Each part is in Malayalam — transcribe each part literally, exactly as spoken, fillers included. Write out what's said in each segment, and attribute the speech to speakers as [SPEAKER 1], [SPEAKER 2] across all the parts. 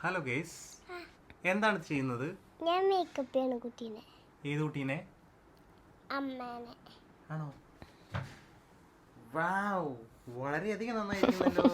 [SPEAKER 1] ഹലോ ഗൈസ്, എന്താണ് ചെയ്യുന്നത്?
[SPEAKER 2] ഞാൻ മേക്കപ്പ് ചെയ്യണം കുട്ടീനെ.
[SPEAKER 1] ഏത് കുട്ടീനെ?
[SPEAKER 2] അമ്മേനെ.
[SPEAKER 1] ആണോ? വാവ്, വളരെയധികം നന്നായിരിക്കുന്നല്ലോ.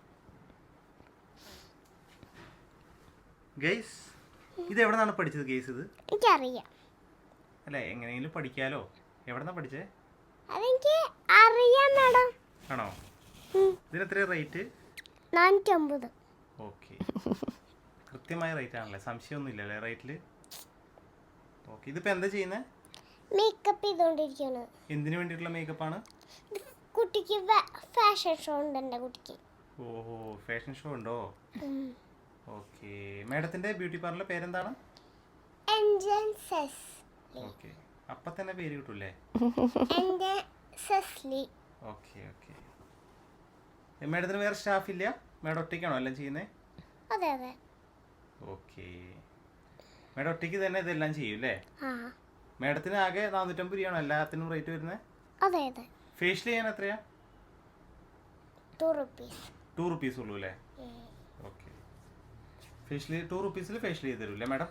[SPEAKER 1] ഗൈസ്, ഇത് എവിടെ നിന്നാണ് പഠിച്ചത് ഗൈസ്? ഇത്
[SPEAKER 2] എനിക്കറിയാം.
[SPEAKER 1] അല്ല, എങ്ങനെയെങ്കിലും പഠിക്കാലോ. എവിടെ നിന്നാ പഠിച്ചേ?
[SPEAKER 2] അതെനിക്ക് അറിയാം മാഡം.
[SPEAKER 1] ആണോ? ഇതിന് എത്ര റേറ്റ്?
[SPEAKER 2] നാനൂറ്റമ്പത്.
[SPEAKER 1] ഓക്കെ, കൃത്യമായ റേറ്റ് ആണല്ലേ, സംശയമൊന്നും ഇല്ലല്ലേ റേറ്റിൽ? ഓക്കെ, ഇതിപ്പോൾ എന്താ ചെയ്യുന്നത്?
[SPEAKER 2] മേക്കപ്പ് ചെയ്തുകൊണ്ടിരിക്കുകയാണ്.
[SPEAKER 1] എന്തിനു വേണ്ടിയിട്ടുള്ള മേക്കപ്പാണ്?
[SPEAKER 2] കുട്ടിക്ക് ഫാഷൻ ഷോ ഉണ്ട് എൻ്റെ കുട്ടിക്ക്.
[SPEAKER 1] ഓഹോ, ഫാഷൻ ഷോ ഉണ്ടോ? ഓക്കെ, മാഡത്തിന്റെ ബ്യൂട്ടി പാർലറിന്റെ പേരെന്താണ്? ഓക്കെ, അപ്പൊ തന്നെ പേര് കിട്ടൂലേ? Okay okay. മാഡത്തിന് വേറെ സ്റ്റാഫ് ഇല്ല? മാഡം ഒറ്റയ്ക്കാണോ എല്ലാം ചെയ്യുന്നത്?
[SPEAKER 2] അതെ അതെ.
[SPEAKER 1] ഓക്കെ, മാഡം ഒറ്റയ്ക്ക് തന്നെ ഇതെല്ലാം ചെയ്യും അല്ലേ? മാഡത്തിന് ആകെ നാനൂറ്റമ്പത് രൂപയാണോ എല്ലാത്തിനും റേറ്റ് വരുന്നത്?
[SPEAKER 2] അതെ അതെ.
[SPEAKER 1] ഫേഷ്യൽ ചെയ്യാൻ എത്രയാ?
[SPEAKER 2] To rupees.
[SPEAKER 1] ടു റുപ്പീസ് ഉള്ളൂ അല്ലേ? ഓക്കെ, ഫേഷ്യൽ ടു റുപ്പീസിൽ ഫേഷ്യൽ ചെയ്ത് തരൂല്ലേ മാഡം?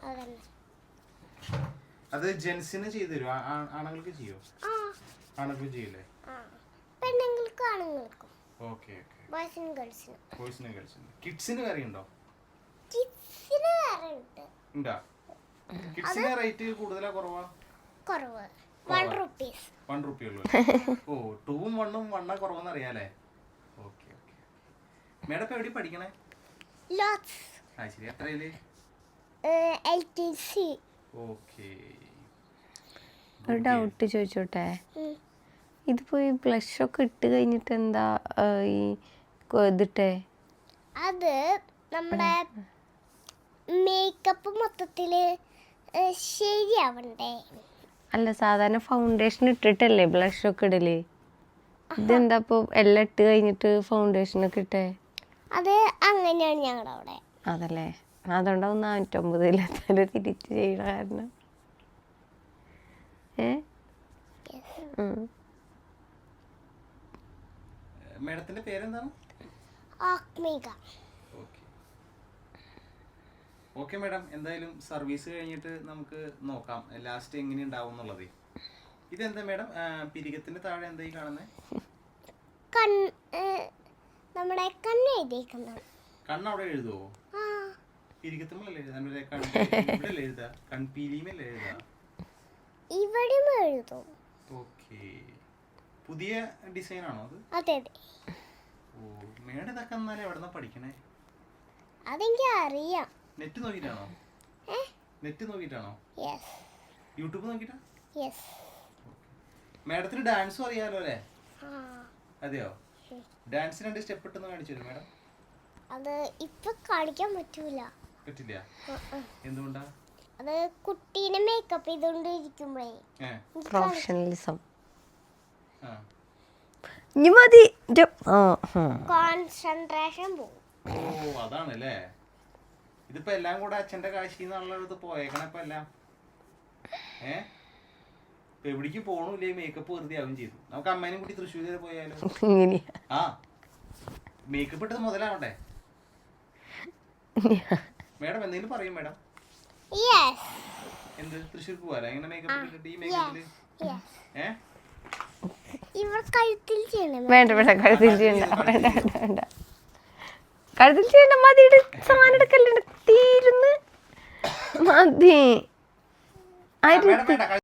[SPEAKER 1] അത് ജെൻസിന് ചെയ്തു തരും, ആണുങ്ങൾക്ക് ചെയ്യോ? ആണുങ്ങൾക്ക് ചെയ്യൂലേ?
[SPEAKER 2] പെണ്ണുങ്ങൾക്ക് ആണുങ്ങൾക്കും.
[SPEAKER 1] Okay okay.
[SPEAKER 2] ബോയ്സിനും ഗേൾസിനും.
[SPEAKER 1] ബോയ്സിനും ഗേൾസിനും. കിഡ്സിന് വേറെ ഉണ്ടോ?
[SPEAKER 2] കിഡ്സിന് വേറെ ഉണ്ട്.
[SPEAKER 1] ഉണ്ടോ? കിഡ്സിന് റേറ്റ് കൂടുതലാ കുറവാ?
[SPEAKER 2] കുറവ്. One rupees.
[SPEAKER 1] വൺ റുപ്പി ഉള്ളൂ. ഓ, ടൂവും വണ്ണും വണ്ണ കുറവെന്ന് അറിയാലേ? Okay okay. മേഡം ഇപ്പൊ എവിടെ പഠിക്കണേ?
[SPEAKER 2] ലോട്സ്.
[SPEAKER 1] ആ ശരി, എത്രയില്?
[SPEAKER 2] L T C.
[SPEAKER 1] ഓക്കെ.
[SPEAKER 3] ഒരു ഡൗട്ട് ചോദിച്ചോട്ടെ, ഇതിപ്പോ ഈ ബ്ലഷ് ഒക്കെ ഇട്ട് കഴിഞ്ഞിട്ട് എന്താ ഈ ഇതിട്ടെ?
[SPEAKER 2] അത് നമ്മുടെ മേക്കപ്പ് മൊത്തത്തില് ശരിയാവണ്ടേ?
[SPEAKER 3] അല്ല, സാധാരണ ഫൗണ്ടേഷൻ ഇട്ടിട്ടല്ലേ ബ്ലഷ് ഒക്കെ ഇടല്? ഇതെന്താ ഇപ്പൊ എല്ലാം ഇട്ട് കഴിഞ്ഞിട്ട് ഫൗണ്ടേഷൻ ഒക്കെ ഇട്ടേ?
[SPEAKER 2] അത് അങ്ങനെയാണ് ഞങ്ങളുടെ അവിടെ.
[SPEAKER 3] അതല്ലേ, അതുകൊണ്ടാവും നാനൂറ്റമ്പതിൽ തിരിച്ച് ചെയ്യണ കാരണം. ഏ
[SPEAKER 1] മാഡത്തിന്റെ പേരെന്താണ്?
[SPEAKER 2] ആത്മിക.
[SPEAKER 1] ഓക്കെ ഓക്കെ മാഡം, എന്തായാലും സർവീസ് കഴിഞ്ഞിട്ട് നമുക്ക് നോക്കാം ലാസ്റ്റ് എങ്ങനെ ഉണ്ടാവും എന്നുള്ളത്. ഇതെന്താ മാഡം പിരികത്തിന്റെ താഴെ എന്തായി കാണുന്നത്?
[SPEAKER 2] നമ്മുടെ കണ്ണ് എഴുതിയിരിക്കുന്നത്.
[SPEAKER 1] കണ്ണ് അവിടെ എഴുതുവോ? പിരികത്തുമ്മല്ലേ എഴുതാ? കൺപീലിമല്ലേ എഴുതാ?
[SPEAKER 2] ഇവിടെയും എഴുതും.
[SPEAKER 1] ഓക്കെ, പുതിയ ഡിസൈൻ ആണോ അത്?
[SPEAKER 2] അതെ അതെ.
[SPEAKER 1] ഓ, മേഡം ഇതൊക്കെ എന്നാലും എവിടെന്നാ പഠിക്കണേ?
[SPEAKER 2] അതെനിക്ക് അറിയാം.
[SPEAKER 1] നെറ്റ് നോക്കിട്ടാണോ? നെറ്റ് നോക്കിട്ടാണോ? യൂട്യൂബ് നോക്കിട്ടാ? മാഡത്തിന് ഡാൻസും അറിയാലോ അല്ലേ? അതെയോ? ഡാൻസ് രണ്ട് സ്റ്റെപ്പ് ഇട്ടെന്ന് കാണിച്ചു തരും മാഡം?
[SPEAKER 2] അത് ഇപ്പൊ കാണിക്കാൻ പറ്റൂല.
[SPEAKER 1] പറ്റില്ല? എന്തുകൊണ്ടാ?
[SPEAKER 2] അത് കുട്ടീനെ മേക്കപ്പ് ചെയ്തോണ്ടിരിക്കുമ്പോഴേ
[SPEAKER 3] പ്രൊഫഷണലിസം മതി,
[SPEAKER 2] കോൺസെൻട്രേഷൻ പോകും.
[SPEAKER 1] ഓ, അതാണല്ലേ. ഇതിപ്പോ എല്ലാം കൂടെ അച്ഛന്റെ കാശിന്നുള്ളത് പോയേക്കണ ഇപ്പൊ എല്ലാം. ഏ ഇപ്പൊ എവിടേക്ക് പോണില്ലേ, മേക്കപ്പ് വെറുതെ ആവും ചെയ്തു. നമുക്ക് അമ്മേനും കൂടി തൃശ്ശൂർ വരെ പോയാലോ? ആ, മേക്കപ്പ് ഇട്ടത് മുതലാവട്ടെ. മേഡം എന്തെങ്കിലും പറയും മേഡം? എന്ത് തൃശ്ശൂർ പോവാലോ എങ്ങനെ മേക്കപ്പ് ഇട്ടിട്ട്? ഈ മേക്കപ്പില് ഏ
[SPEAKER 2] ഇവർ കഴുത്തിൽ ചെയ്യണം.
[SPEAKER 3] വേണ്ട വേണ്ട, കഴുത്തിൽ ചെയ്യണ്ട, വേണ്ട വേണ്ട, കഴുത്തിൽ ചെയ്യണ്ട, മതി. സാധനം എടുക്കല്ലേ, തീരുന്ന് മതി.